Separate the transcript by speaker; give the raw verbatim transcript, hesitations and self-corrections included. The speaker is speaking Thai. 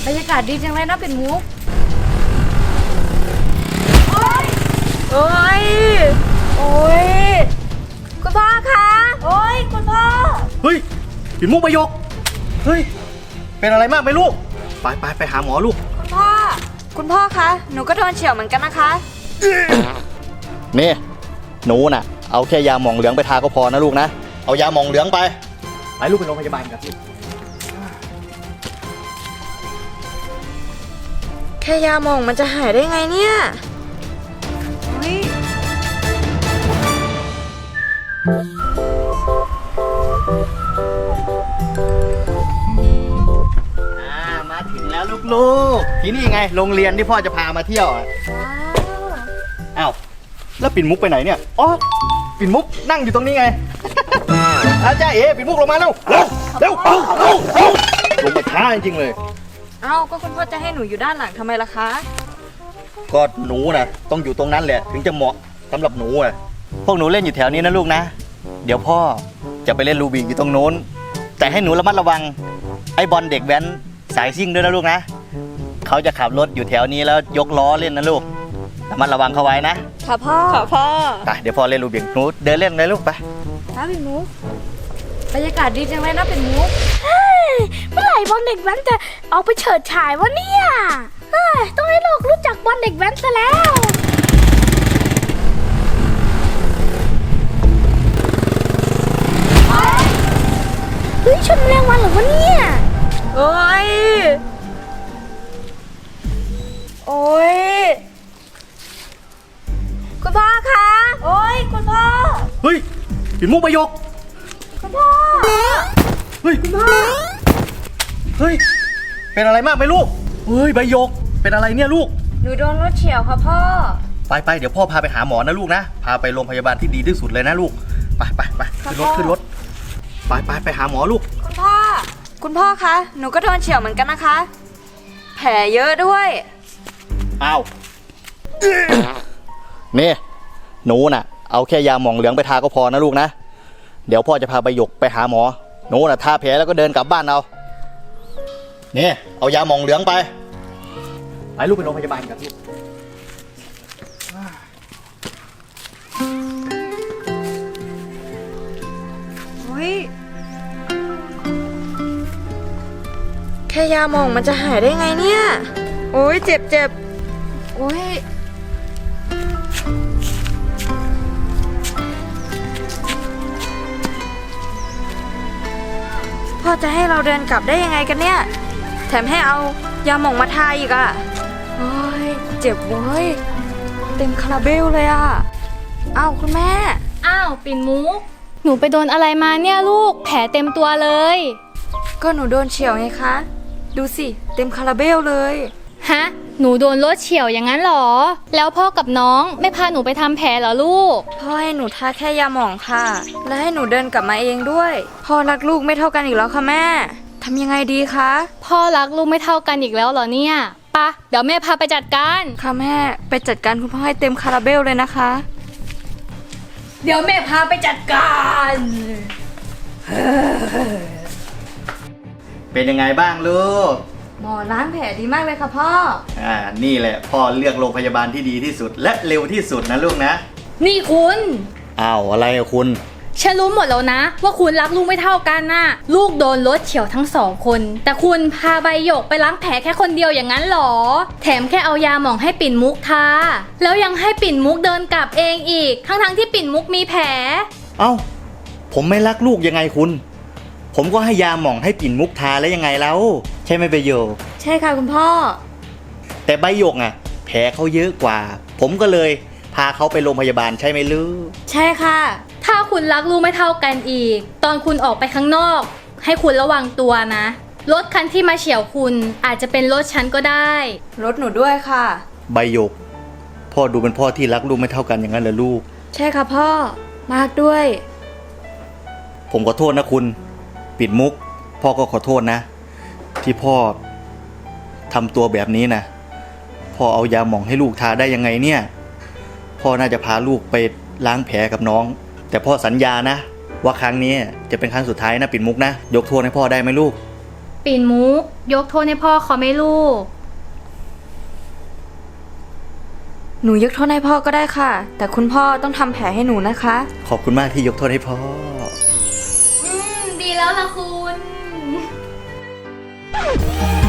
Speaker 1: บรรยากาศดีจังเลยนะเป็นมุกโอ้ยโอ้ยโอ้ยคุณพ่อคะโอ้ยคุณพ่อ
Speaker 2: เฮ้ยปิ่นมุกประโยคเฮ้ยเป็นอะไรมากไหมลูกไปไปไปหาหมอลูก
Speaker 1: คุณพ่อคุณพ่อคะหนูก็โดนเฉี่ยวเหมือนกันนะคะ
Speaker 2: นี่หนูน่ะเอาแค่ยาหมองเหลืองไปทาก็พอนะลูกนะเอายาหมองเหลืองไปไปลูกไปโรงพยาบาลกันลูก
Speaker 1: แค่ยาหมองมันจะหายได้ไงเนี่ย
Speaker 2: มาถึงแล้วลูกๆที่นี่ไงโรงเรียนที่พ่อจะพามาเที่ยวอ้าวแล้วปิ่นมุกไปไหนเนี่ยอ๋อปิ่นมุกนั่งอยู่ตรงนี้ไงอาจารย์เอ๋ปิ่นมุกลงมาเร็วเร็วเร็วเร็วเร็วลงมาช้าจริงๆเลย
Speaker 1: เอ้าก็คุณพ่อจะให้หนูอยู่ด้านหลังทำไมล่ะคะ
Speaker 2: ก็หนูนะต้องอยู่ตรงนั้นแหละถึงจะเหมาะสำหรับหนูอ่ะพวกหนูเล่นอยู่แถวนี้นะลูกนะเดี๋ยวพ่อจะไปเล่นรูบิกอยู่ตรงโน้นแต่ให้หนูระมัดระวังไอ้บอลเด็กแว้นสายซิ่งด้วยนะลูกนะเขาจะขับรถอยู่แถวนี้แล้วยกล้อเล่นนะลูกระมัดระวังเขาไว้นะ
Speaker 1: ค่ะพ่อค่ะพ่อ
Speaker 2: ไปเดี๋ยวพ่อเล่นรูบิกหนูเดินเล่นเลยลูกไป
Speaker 1: ครับเป็นมุกบรรยากาศดีจังเลยนะเป็นมุก
Speaker 3: เมื่อไหร่บอลเด็กแว้นจะเอาไปเฉิดฉายวะเนี่ยต้องให้โลกรู้จักบอลเด็กแว้นซะแล้วเฮ้ยชนแรงวันเหรอวะเนี่ย
Speaker 1: โอ้ยโอ้ยคุณพ่อคะโอ้ยคุณพ่อ
Speaker 2: เฮ้ยปิ่นมุกประโยค
Speaker 1: คุณพ่อ
Speaker 2: เฮ้ยคุณพ่อเฮ้ยเป็นอะไรมากไหมลูกเฮ้ยใบโยกเป็นอะไรเนี่ยลูก
Speaker 1: หนูโดนรถเฉี่ยวค่ะพ่อ
Speaker 2: ไปไปเดี๋ยวพ่อพาไปหาหมอนะลูกนะพาไปโรงพยาบาลที่ดีที่สุดเลยนะลูกไปไปไปขึ้นรถขึ้นรถไปไปไปหาหมอลูก
Speaker 1: คุณพ่อคุณพ่อคะหนูก็โดนเฉี่ยวเหมือนกันนะคะแผลเยอะด้วย
Speaker 2: อ้าวนี่หนูน่ะเอาแค่ยาหมองเหลืองไปทาก็พอนะลูกนะเดี๋ยวพ่อจะพาใบหยกไปหาหมอหนูน่ะทาแผลแล้วก็เดินกลับบ้านเอานี่เอายาหมองเหลืองไปไปลูกไปโรงพยาบาลกันลูก
Speaker 1: เฮ้ยแค่ยาหมองมันจะหายได้ไงเนี่ยโอ้ยเจ็บเจ็บโอ้ยพ่อจะให้เราเดินกลับได้ยังไงกันเนี่ยแถมให้เอายาหม่องมาทาอีกอ่ะโอ้ยเจ็บเว้ยเต็มคาราเบลเลยอ่ะอ้าวคุณแม่
Speaker 3: อ้าวปิ่นมุกหนูไปโดนอะไรมาเนี่ยลูกแผลเต็มตัวเลย
Speaker 1: ก็หนูโดนเฉี่ยวไงคะดูสิเต็มคาราเบลเลย
Speaker 3: ฮะหนูโดนรถเฉี่ยวอย่างนั้นหรอแล้วพ่อกับน้องไม่พาหนูไปทำแผลเหรอลูก
Speaker 1: พ่อให้หนูทาแค่ยาหม่องค่ะและให้หนูเดินกลับมาเองด้วยพ่อรักลูกไม่เท่ากันอีกแล้วค่ะแม่ทำยังไงดีคะ
Speaker 3: พ่อรักลูกไม่เท่ากันอีกแล้วเหรอเนี่ยปะเดี๋ยวแม่พาไปจัดการ
Speaker 1: ค่ะแม่ไปจัดการคุณพ่อให้เต็มคาราเบลเลยนะคะ
Speaker 3: เดี๋ยวแม่พาไปจัดการ
Speaker 2: เป็นยังไงบ้างลูก
Speaker 1: หมอล้างแผลดีมากเลยค่ะพ่อ
Speaker 2: อ่านี่แหละพ่อเลือกโรงพยาบาลที่ดีที่สุดและเร็วที่สุดนะลูกนะ
Speaker 3: นี่คุณ
Speaker 2: อ้าวอะไรอะคุณ
Speaker 3: ฉันรู้หมดแล้วนะว่าคุณรักลูกไม่เท่ากันน่ะลูกโดนรถเฉี่ยวทั้งสองคนแต่คุณพาใบหยกไปล้างแผลแค่คนเดียวอย่างนั้นหรอแถมแค่เอายาหมองให้ปิ่นมุกทาแล้วยังให้ปิ่นมุกเดินกลับเองอีกทั้งทั้งที่ปิ่นมุกมีแผล
Speaker 2: เอ้าผมไม่รักลูกยังไงคุณผมก็ให้ยาหม่องให้ปิ่นมุกทาแล้วยังไงแล้วใช่ไหมใบหยก
Speaker 1: ใช่ค่ะคุณพ่อ
Speaker 2: แต่ใบหยกอ่ะแผลเขาเยอะกว่าผมก็เลยพาเขาไปโรงพยาบาลใช่ไหมลูก
Speaker 1: ใช่ค่ะ
Speaker 3: ถ้าคุณรักลูกไม่เท่ากันอีกตอนคุณออกไปข้างนอกให้คุณระวังตัวนะรถคันที่มาเฉี่ยวคุณอาจจะเป็นรถฉันก็ได้
Speaker 1: รถหนูด้วยค่ะ
Speaker 2: ใบหยกพ่อดูเป็นพ่อที่รักลูกไม่เท่ากันอย่างนั้นเหรอลูก
Speaker 1: ใช่ค่ะพ่อมากด้วย
Speaker 2: ผมขอโทษนะคุณปิ่นมุกพ่อก็ขอโทษนะที่พ่อทำตัวแบบนี้นะพ่อเอายาหม่องให้ลูกทาได้ยังไงเนี่ยพ่อน่าจะพาลูกไปล้างแผลกับน้องแต่พ่อสัญญานะว่าครั้งนี้จะเป็นครั้งสุดท้ายนะปิ่นมุกนะยกโทษให้พ่อได้ไหมลูก
Speaker 3: ปิ่นมุก ยกโทษให้พ่อเขาไหม่ลูก
Speaker 1: หนูยกโทษให้พ่อก็ได้ค่ะ แต่คุณพ่อต้องทำแผลให้หนูนะคะ
Speaker 2: ขอบคุณมากที่ยกโทษให้พ่อ
Speaker 3: อืม ดีแล้วล่ะคุณ